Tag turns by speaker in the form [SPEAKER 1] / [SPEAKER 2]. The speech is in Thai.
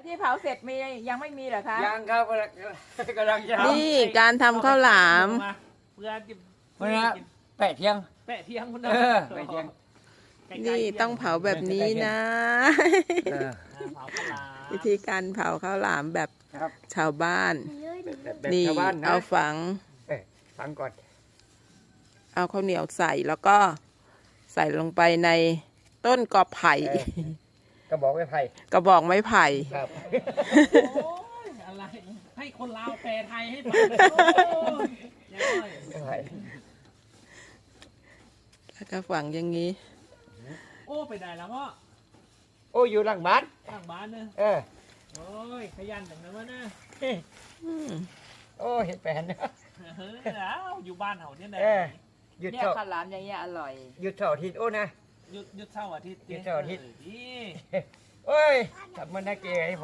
[SPEAKER 1] ที่เผาเสร็จมียังไม่มีเหรอคะ
[SPEAKER 2] ยังครับกำลังจะทำ
[SPEAKER 3] นี่การทำข้าวหลาม
[SPEAKER 4] เพื่อจะ
[SPEAKER 2] วันนี้แปะเที่ยง
[SPEAKER 4] แปะเทียงคุณ
[SPEAKER 2] แปะเที่ยง
[SPEAKER 3] นี่ต้องเผาแบบนี้นะ
[SPEAKER 4] เผาข้าวหลาม
[SPEAKER 3] วิธีการเผาข้าวหลามแบบ
[SPEAKER 2] ครับ
[SPEAKER 3] ชาวบ้าน
[SPEAKER 2] แบบ
[SPEAKER 3] นี่
[SPEAKER 2] ชาวบ้านนะ
[SPEAKER 3] เอาฝัง
[SPEAKER 2] ฟังก่อน
[SPEAKER 3] เอาข้าวเหนียวใส่แล้วก็ใส่ลงไปในต้นกอไผ่
[SPEAKER 2] กระบอกไม้ไผ่
[SPEAKER 3] กระบอกไม้ไผ่
[SPEAKER 2] ครับ
[SPEAKER 4] โอ้ยอะไร ให้คนลาวแปลไทยให้ฟังโอ้ย
[SPEAKER 2] ไม้ไผ่
[SPEAKER 3] แล้วก็ฝังอย่างนี้
[SPEAKER 4] โอ้ไปได้แล้วพ่อ
[SPEAKER 2] โอ้อยู่หลังบ้าน
[SPEAKER 4] ข้างบ้านเนอะ โอ้ยขยันจังนะวะนะ
[SPEAKER 3] อืม
[SPEAKER 2] โอ้เห็ดแปลนนะ
[SPEAKER 4] เฮ้ยแล้วอยู่บ้านเขาเนี่ยนะ
[SPEAKER 2] หยุด
[SPEAKER 1] เนี่ย
[SPEAKER 2] เสาร์
[SPEAKER 1] ข้าวหลามอย่างเงี้ยอร่อย
[SPEAKER 2] หยุดเสาร์อาทิตย์โอ้นะ
[SPEAKER 4] หยุดเสาร์อาทิตย์
[SPEAKER 2] หยุดเสาร์อาทิตย์
[SPEAKER 4] นี่
[SPEAKER 2] โอ้ยทำมันน่าเกลียด